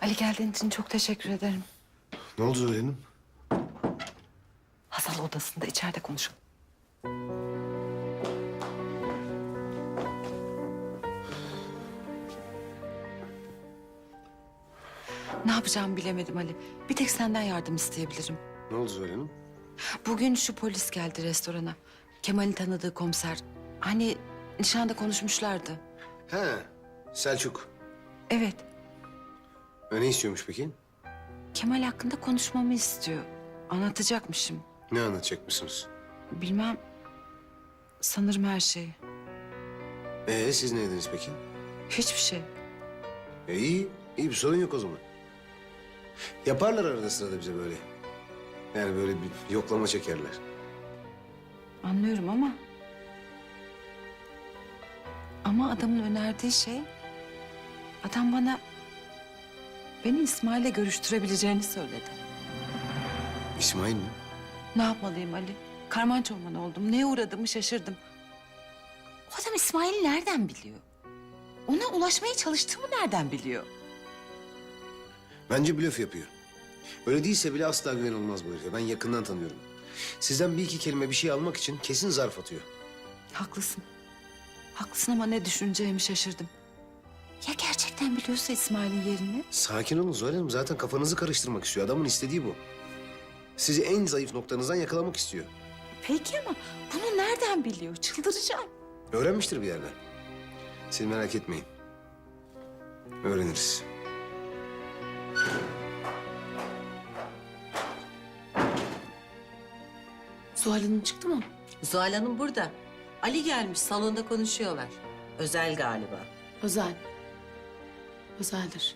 Ali, geldiğin için çok teşekkür ederim. Ne oldu Zuhal Hanım? Hazal odasında, içeride konuşalım. Ne yapacağımı bilemedim Ali. Bir tek senden yardım isteyebilirim. Ne oldu Zuhal Hanım? Bugün şu polis geldi restorana. Kemal'in tanıdığı komiser. Hani nişanda konuşmuşlardı. He, Selçuk. Evet, Ne istiyormuş peki? Kemal hakkında konuşmamı istiyor. Anlatacakmışım. Ne anlatacakmışsınız? Bilmem, sanırım her şeyi. Siz ne dediniz peki? Hiçbir şey. İyi bir sorun yok o zaman. Yaparlar arada sırada bize böyle. Yani böyle bir yoklama çekerler. Anlıyorum ama... Ama adamın önerdiği şey... Adam bana... Beni İsmail'le görüştürebileceğini söyledi. İsmail mi? Ne yapmalıyım Ali? Karman çorman oldum. Neye uğradığımı şaşırdım. O adam İsmail'i nereden biliyor? Ona ulaşmaya çalıştığımı nereden biliyor? Bence blöf yapıyor. Öyle değilse bile asla güven olmaz bu herife. Ben yakından tanıyorum. Sizden bir iki kelime bir şey almak için kesin zarf atıyor. Haklısın. Haklısın ama ne düşüneceğimi şaşırdım. Ya gerçekten biliyorsa İsmail'in yerini? Sakin olun Zuhal Hanım. Zaten kafanızı karıştırmak istiyor. Adamın istediği bu. Sizi en zayıf noktanızdan yakalamak istiyor. Peki ama bunu nereden biliyor? Çıldıracağım. Öğrenmiştir bir yerden. Siz merak etmeyin. Öğreniriz. Zuhal Hanım çıktı mı? Zuhal Hanım burada. Ali gelmiş, salonda konuşuyorlar. Özel galiba. Özel. Özeldir.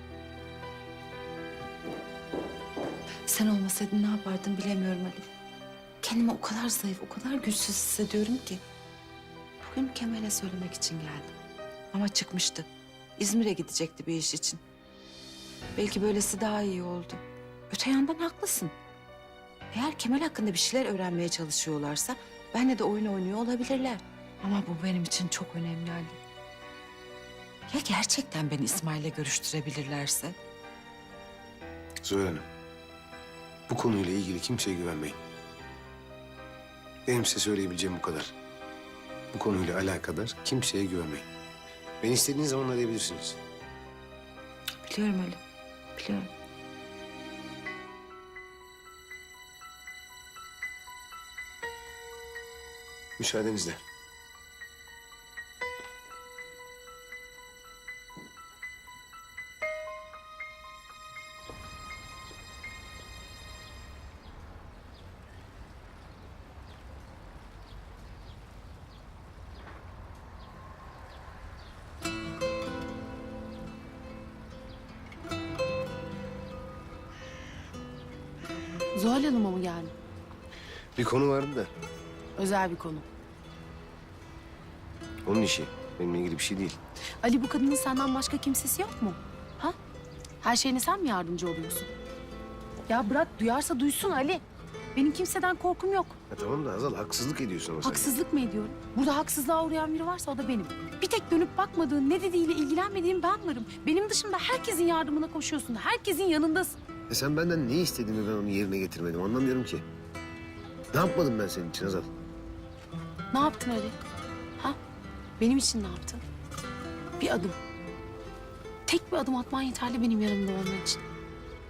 Sen olmasaydın ne yapardım bilemiyorum Ali. Kendimi o kadar zayıf, o kadar güçsüz hissediyorum ki. Bugün Kemal'e söylemek için geldim. Ama çıkmıştı. İzmir'e gidecekti bir iş için. Belki böylesi daha iyi oldu. Öte yandan haklısın. Eğer Kemal hakkında bir şeyler öğrenmeye çalışıyorlarsa... ...benle de oyun oynuyor olabilirler. Ama bu benim için çok önemli Ali. Ya gerçekten beni İsmail'le görüştürebilirlerse? Zuhal Hanım, bu konuyla ilgili kimseye güvenmeyin. Benim size söyleyebileceğim bu kadar. Bu konuyla alakadar kimseye güvenmeyin. Beni istediğiniz zaman arayabilirsiniz. Biliyorum Ali, biliyorum. Müsaadenizle. Zuhal Hanım'a mı geldin? Bir konu vardı da Özel bir konu. onun işi. Benimle ilgili bir şey değil. Ali, bu kadının senden başka kimsesi yok mu? Ha? Her şeyine sen mi yardımcı oluyorsun? Ya bırak, duyarsa duysun Ali. Benim kimseden korkum yok. Tamam da Hazal, haksızlık ediyorsun ama sen. Haksızlık mı ediyorum? Burada haksızlığa uğrayan biri varsa o da benim. Bir tek dönüp bakmadığın, ne dediğiyle ilgilenmediğin ben varım. Benim dışımda herkesin yardımına koşuyorsun. Herkesin yanındasın. Sen benden ne istediğini ben onu yerine getirmedim. Anlamıyorum ki. Ne yapmadım ben senin için Hazal? Ne yaptın Ali? Ha? Benim için ne yaptın? Bir adım. Tek bir adım atman yeterli benim yanımda olman için.